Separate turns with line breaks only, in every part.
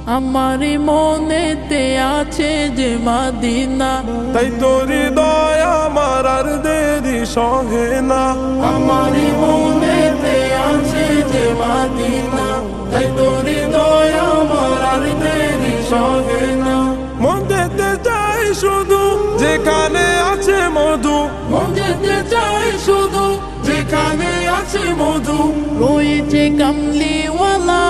আমার মনেতে আছে যে মদিনা,
তাই তোর হৃদয় আমার আর দেরি সহে না।
আমার মনেতে আছে যে মদিনা, তাই তোর হৃদয় আমার আর দেরি সহে না।
মন যেতে চাই শুধু যেখানে আছে মধু,
মন যেতে চাই শুধু যেখানে আছে মধু, রয়েছে কামলিওয়ালা।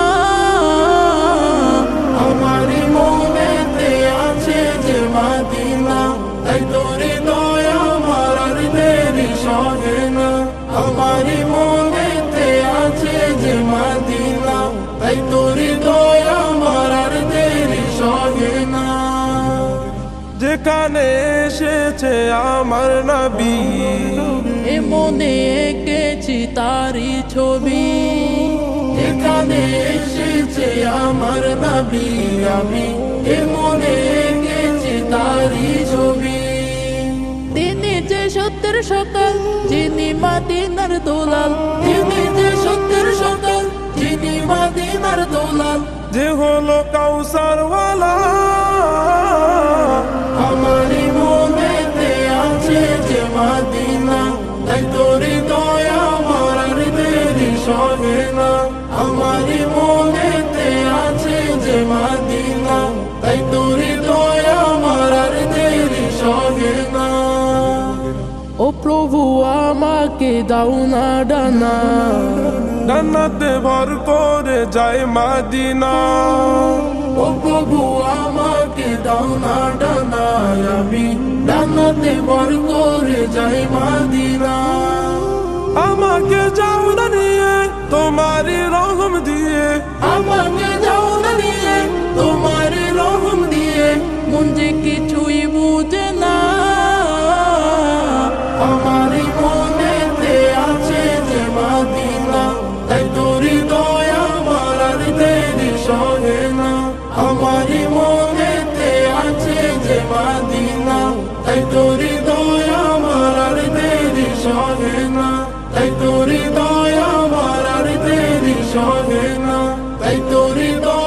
আমার মনেতে আছে যে মদিনা, তাই তোর হৃদয় আমার আর দেরি সহে না। আমার মনেতে আছে যে মদিনা, তাই তোর হৃদয় আমার আর দেরি সহে না।
যেখানে এসেছে আমার নবী,
এ মনে এঁকেছি তারি ছবি, যেখানে এসেছে আমার নবী, আমি এ মনে এঁকেছি তারি ছবি। তিনি যে সত্যের সকাল, যিনি মদিনার দোলাল, তিনি যে সত্যের সকাল, যিনি মদিনার দোলাল,
যে হলো কাউসারওয়ালা।
আমার মনেতে আছে যে মদিনা, তাই তোর হৃদয় আমার আর দেরি সহে না। আমার মনেতে আছে যে মদিনা, তাই তোর হৃদয় আমার আর দেরি সহে না। ও প্রভু আমাকে দাও না ডানা,
জান্নাতে ভর করে যায় মদিনা।
ও প্রভু আমাকে দাও না ডানা, আমি ডানাতে ভর করে যাই মদিনা।
আমাকে যাও না নিয়ে তোমারই রহম দিয়ে,
আমাকে যাও না নিয়ে তোমার রহম দিয়ে, মন যে কিছুই বুঝে না। আমার মনেতে আছে যে মদিনা, তাই তোর হৃদয় আমার আর দেরি সহে না। আমার মনেতে আছে যে মদিনা, তাই তোর হৃদয় আমার আর দেরি সহে না। তাই তোর হৃদয় আমার আর দেরি সহে না। তাই তোর হৃদয়